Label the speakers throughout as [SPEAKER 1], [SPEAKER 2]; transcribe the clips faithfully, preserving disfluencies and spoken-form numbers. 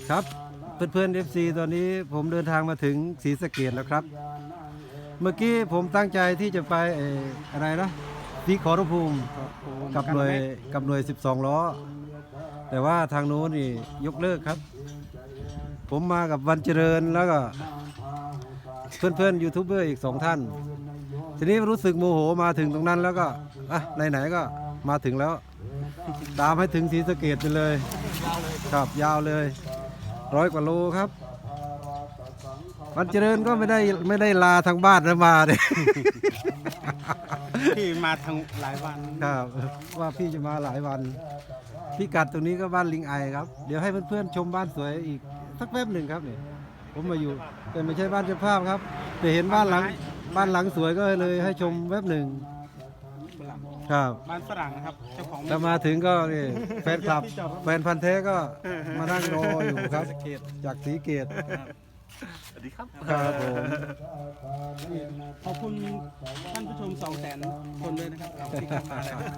[SPEAKER 1] ครับเพื่อนๆ เอฟ ซี ตอนนี้ผมเดินทางมาถึงศรีสะเกษแล้วครับเมื่อกี้ผมตั้งใจที่จะไปเอ่ออะไรนะที่ขอรภูมิกับหน่วยกับหน่วยสิบสองล้อแต่ว่าทางโน้นนี่ยกเลิกครับ ผมมากับวันเจริญแล้วก็เพื่อนๆยูทูบเบอร์อีกสองท่าน ทีนี้รู้สึกโมโหมาถึงตรงนั้นแล้วก็อ่ะไหนๆก็มาถึงแล้ว ตามให้ถึงศรีสะเกษไปเลยครับยาวเลยร้อยกว่าโลครับวันเจริญก็ไม่ได้ไม่ได้ลาทางบ้านนะมาเลย
[SPEAKER 2] พี่มาทางหลายวัน
[SPEAKER 1] ครับว่าพี่จะมาหลายวันพี่กัดตรงนี้ก็บ้านลิงไอครับเดี๋ยวให้เพื่อนๆชมบ้านสวยอีกสักแป๊บหนึ่งครับเนี่ยผมมาอยู่แต่ไม่ใช่บ้านเจ้าภาพครับแต่เห็นบ้านหลังบ้านหลังสวยก็เลยให้ชมแป๊บหนึ่งครับ
[SPEAKER 2] บ้านฝรั่งนะครับเจ้าของ
[SPEAKER 1] ถ้ามาถึงก็นี่แฟนคลับแฟนพันธ์แท้ก็มานั่งรออยู่ครับจากศรีเกต
[SPEAKER 2] สวัสดีครับ
[SPEAKER 1] ครับผม
[SPEAKER 2] ขอบคุณท่านผู้ชมสองแสนคนด้วยนะครับที่เข้ามาแล้ว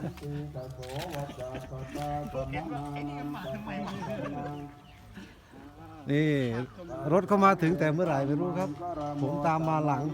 [SPEAKER 1] นี่รถเข้ามาถึงแต่เมื่อไหร่ไม่รู้ครับ ผมตามมาหลัง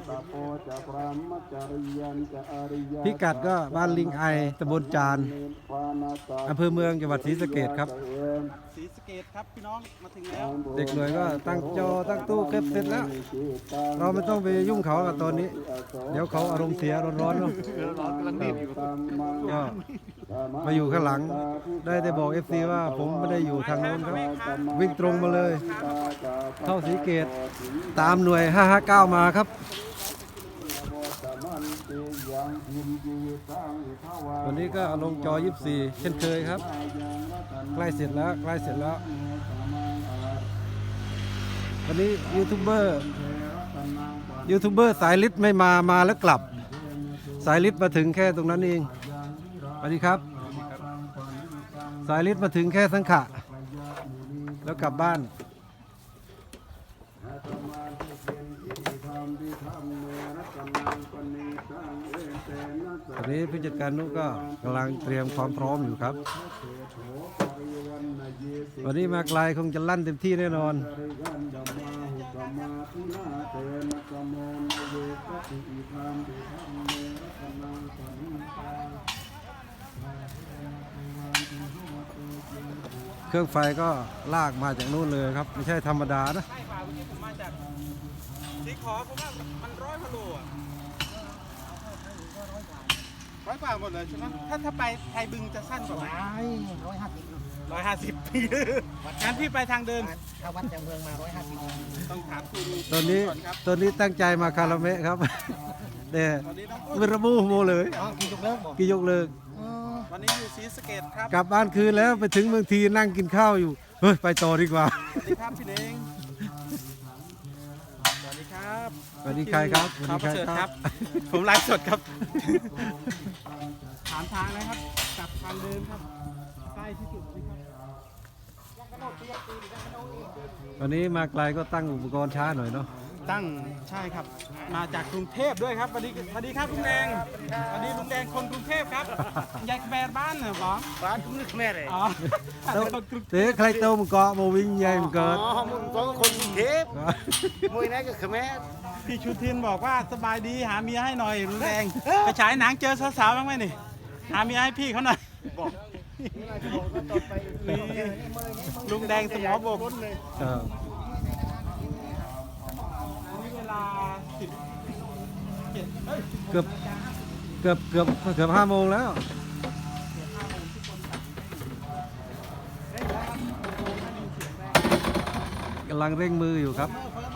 [SPEAKER 1] พิกัดก็บ้านลิงไอตำบลจานอำเภอเมืองจังหวัดศรีสะเกษครับ
[SPEAKER 2] ศรีสะเกษครับพี่น้องมาถึงแล้ว
[SPEAKER 1] เด็กหน่วยก็ตั้งจอตั้งตู้เก็บเสร็จแล้ว เราไม่ต้องไปยุ่งเขากับตอนนี้ เดี๋ยวเขาอารมณ์เสียร้อนๆเนาะ
[SPEAKER 2] ร้อนกำลังรีบอยู่
[SPEAKER 1] ก็มาอยู่ข้างหลังได้ได้บอก เอฟ ซี ว่าผมไม่ได้อยู่ทางโน้นครับวิ่งตรงมาเลย เข้าศรีเกตตามหน่วยห้าห้าเก้ามาครับวันนี้ก็ลงจอยี่สิบสี่เช่นเคยครับใกล้เสร็จแล้วใกล้เสร็จแล้ววันนี้ยูทูบเบอร์ยูทูบเบอร์สายลิศไม่มามาแล้วกลับสายลิศมาถึงแค่ตรงนั้นเองสวัสดีครับสายลิศมาถึงแค่สังขะแล้วกลับบ้านตอนนี้ผู้จัดการนุก็กำลังเตรียมความพร้อมอยู่ครับวันนี้มาไกลคงจะลั่นเต็มที่แน่นอนเครื่องไฟก็ลากมาจากนู่นเลยครับไม่ใช่ธรรมดานะ
[SPEAKER 2] ใช่ป่าวันนี้ผมมาจากสีขอผมว่ามันร้อยกว่าโลอ่ะร้อยกว่าหมดเลยใช่ไหมถ้าถ้าไปไทยบึงจะสั้นกว่าไหม
[SPEAKER 3] ร้อยห้าสิบ
[SPEAKER 2] ร้อยห้าสิบงั้นพี่ไปทางเดิม
[SPEAKER 3] ถ้าวัดจากเมืองมาร้อยห้าสิบ
[SPEAKER 2] ต้องถามคุณ
[SPEAKER 1] ตอนนี้
[SPEAKER 2] ก่อนครับ
[SPEAKER 1] ตอนนี้ตั้งใจมาคาราเมะครับ แต่
[SPEAKER 2] ตอนนี้น้องอุ้
[SPEAKER 1] ไม่
[SPEAKER 2] ย
[SPEAKER 1] ระบุโมเลย
[SPEAKER 3] อ๋อกี่จุกเลิกบอก
[SPEAKER 1] กี่ยกเลิก
[SPEAKER 2] วันนี้อยู่ศรีสะเกษครับ
[SPEAKER 1] กลับบ้านคืนแล้วไปถึงเมืองทีนั่งกินข้าวอยู่เฮ้ยไปต่อดีกว่า
[SPEAKER 2] สวัสดีครับพี่เล้งสวัสดีครับ
[SPEAKER 1] สวัสดีใครครับ
[SPEAKER 2] ขอบ
[SPEAKER 1] สวั
[SPEAKER 2] เชิ
[SPEAKER 1] ส
[SPEAKER 2] ญ
[SPEAKER 1] ดี
[SPEAKER 2] ครับ ผมไลฟ์สดครับ ถามทางนะครับกลับทางเดิมครับใกล้ที่สุดนะครับ
[SPEAKER 1] วันนี้มาไกลก็ตั้งอุปกรณ์ช้าหน่อยเนาะ
[SPEAKER 2] ตั้งใช่ครับ มาจากกรุงเทพด้วยครับสวัสดีสวัสดีครับลุงแดงสวัสดีลุงแดงคนกรุงเทพครับยายแบรบ้านเหรอหมอ
[SPEAKER 3] ร้านคุณนึกแม่เลย
[SPEAKER 2] อ๋อคนกรุง
[SPEAKER 1] เตะใครโตมันเกาะมาวิ่งใหญ่มันเกิด
[SPEAKER 3] อ๋อมึงก็คนกรุงเทพมวยนั่นก็คือแม่
[SPEAKER 2] พี่ชูทินบอกว่าสบายดีหาเมียให้หน่อยลุงแดงไปฉายหนังเจอสาวๆบ้างไหมนี่หาเมียให้พี่เขาหน่อยนี่ลุงแดงสมอบก
[SPEAKER 1] เออ
[SPEAKER 2] เวลาสิบเจ็ดเอ้ย
[SPEAKER 1] เกือบเกือบเกือบเกือบห้าโมงแล้วกำลังเร่งมืออยู่ครับ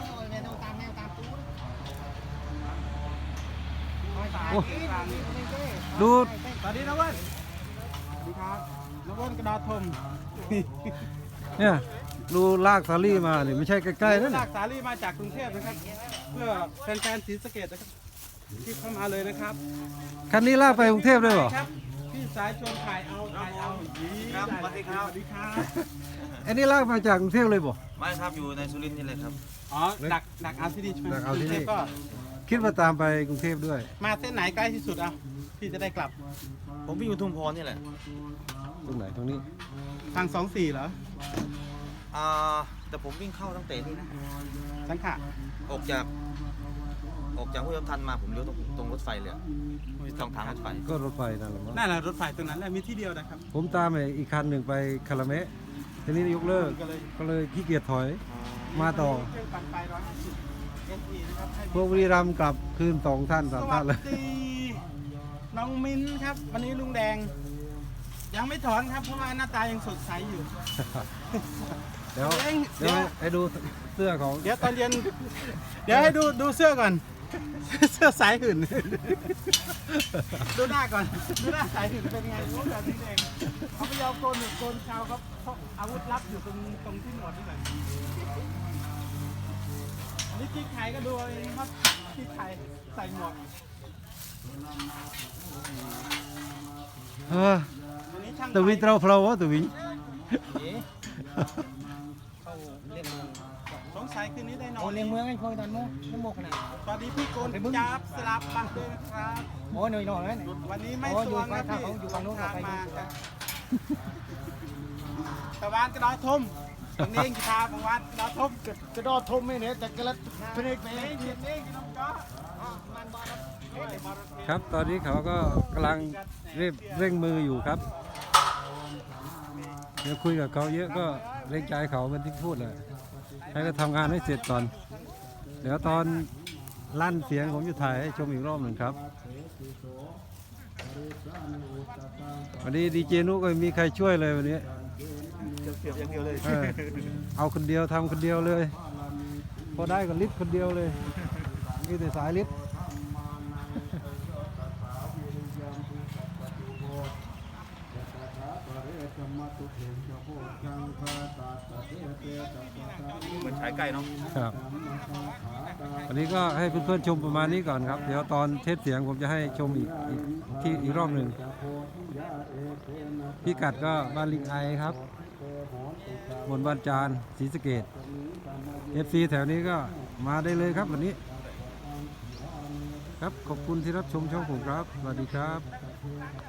[SPEAKER 1] โอ้ดู
[SPEAKER 2] สวัสดีนะเว้นสวัสดีครับนะเว้นกระดาษทม
[SPEAKER 1] เนี่ยดูลากซาลี่มาเนี่ยไม่ใช่ใกล้ๆนั่น
[SPEAKER 2] ลากสาลี่มาจากกรุงเทพนะครับ เพื่อแฟนๆศรีสะเกษนะครับที่เข้ามาเลยนะครับ
[SPEAKER 1] คันนี้ลากไปกรุงเทพด้วยเหรอ
[SPEAKER 2] ครับพี่สายชวนถ่ายเอาถ่ายเอาครับสวัสดีครับสวัสดีครับ
[SPEAKER 1] อันนี้ลากมาจากกรุงเทพเลยบ่
[SPEAKER 4] ไม่ครับอยู่ในสุรินทร์นี่เลยครับ
[SPEAKER 2] อ๋อดักดักเอาที่นี่ใช่ไหม
[SPEAKER 1] ดักเอาที่นี่
[SPEAKER 2] กรุงทพก็
[SPEAKER 1] คิดว่าตามไปกรุงเทพด้วย
[SPEAKER 2] มาเส้นไหนใกล้ที่สุดอ่ะพี่จะได้กลับ
[SPEAKER 4] ผมวิ่งอยู่ทุ่งพรนี่แหละ
[SPEAKER 1] ตรงไหนตรงนี้
[SPEAKER 2] ทางสองสี่เหรอ
[SPEAKER 4] อ่าแต่ผมวิ่งเข้าตั้งแต่นี่นะ
[SPEAKER 2] สังขะ
[SPEAKER 4] ออกจาก ออกจากห้วยทันมาผมเลี้ยวตรงตรงรถไฟเลยอะช่องทางรถไฟ
[SPEAKER 1] ก็รถไฟนั่นแหละมั้ง
[SPEAKER 2] นั่นแหละรถไฟตรงนั้นแหละมีที่เดียวนะครับ
[SPEAKER 1] ผมตามไอ้อีกคันหนึ่งไปคาราเมะทีนี้ยกเลิก
[SPEAKER 2] ก็เลย
[SPEAKER 1] ก็เลยขี้เกียจถอย มาต่อ
[SPEAKER 2] เครื่องปั่นไฟร้อยห้าสิบเอสอีนะครับให้
[SPEAKER 1] พวกบุรีรัมย์กลับคืนสองท่านสามท่านเลย
[SPEAKER 2] สวัสดีน้องมิ้นครับ วันนี้ลุงแดง ยังไม่ถอนครับ เพราะว่าหน้าตายังสดใสอยู่
[SPEAKER 1] เดี๋ยว
[SPEAKER 2] เอ้ย
[SPEAKER 1] เดี๋ยว
[SPEAKER 2] เดี๋ยว
[SPEAKER 1] ให้ดูเสื้อของ
[SPEAKER 2] เดี๋ยวตอนเย็น เดี๋ยวให้ดูดูเสื้อก่อน เสื้อสายหื่น ดูหน้าก่อน ดูหน้าสายหื่นเป็นไงรู้แบบนี้เองเขาไม่ยอมโกนหนวดโกนเขาครับเพราะอาวุธลับอยู่ตรงตรงที่หนวดนี่แหละอันนี้กิ๊กไข่ก็ดูเอาเองครับกิ๊กไข่ใส่หมวก
[SPEAKER 1] เออ
[SPEAKER 2] อันนี้ช่าง
[SPEAKER 1] ตะวิน
[SPEAKER 2] ไฟ
[SPEAKER 1] เตราเพลาวะตะวิน
[SPEAKER 3] เข้าเล่นเมือง
[SPEAKER 2] สงสัยคืนนี้ได้นอ
[SPEAKER 3] โอ้
[SPEAKER 2] น
[SPEAKER 3] เล่นเมืองไอ้พวกนั้นโม่น้ำโมขนาด
[SPEAKER 2] สวัสดีพี่โกนจับสลับบักด้วยนะครับ
[SPEAKER 3] โอ้หน่อยหน่อยเลย
[SPEAKER 2] วันนี้ไม่
[SPEAKER 3] โอ้
[SPEAKER 2] ส
[SPEAKER 3] อยู่
[SPEAKER 2] วงนะ
[SPEAKER 3] ฝั่
[SPEAKER 2] พี่
[SPEAKER 3] งเขาอยู่ฝั่งนู้นกับไป
[SPEAKER 2] มา
[SPEAKER 3] อยู่
[SPEAKER 2] ตะวันกระดอทมตรงนี้กีตาร์ของวันกระดอทม
[SPEAKER 3] กระโดดทุ่มไม่เนี่ยแต่กระลัดเพลงเพล
[SPEAKER 2] เล่
[SPEAKER 3] ง
[SPEAKER 2] นเล่นเล่นน้องจ๊อมันบอล
[SPEAKER 1] ครับ ตอนนี้เขาก็กำลังเร่งเร่งมืออยู่ครับ เดี๋ยวคุยกับเขาเยอะก็เร่งใจเขามันที่พูดแหละให้เขาทำงานให้เสร็จก่อน เดี๋ยวตอนลั่นเสียงผมจะถ่ายให้ชมอีกรอบหนึ่งครับ วันนี้ดีเจนุก็ไม่มีใครช่วยเลยวันนี้
[SPEAKER 2] เสียบอย่างเดียวเลย
[SPEAKER 1] เออเอาคนเดียวทำคนเดียวเลย พอได้ก็ลิฟต์คนเดียวเลยนี่แต่สายลิฟต์
[SPEAKER 4] เหมือนฉายไก่เนาะ
[SPEAKER 1] ครับวันนี้ก็ให้เพื่อนๆชมประมาณนี้ก่อนครับ เดี๋ยวตอนเทสเสียงผมจะให้ชมอีกอีกที่อีกรอบหนึ่งพิกัดก็บ้านลิงไอครับบนบ้านจานศรีสะเกษ เอฟซีแถวนี้ก็มาได้เลยครับวันนี้ ครับขอบคุณที่รับชมช่องผมครับ สวัสดีครับ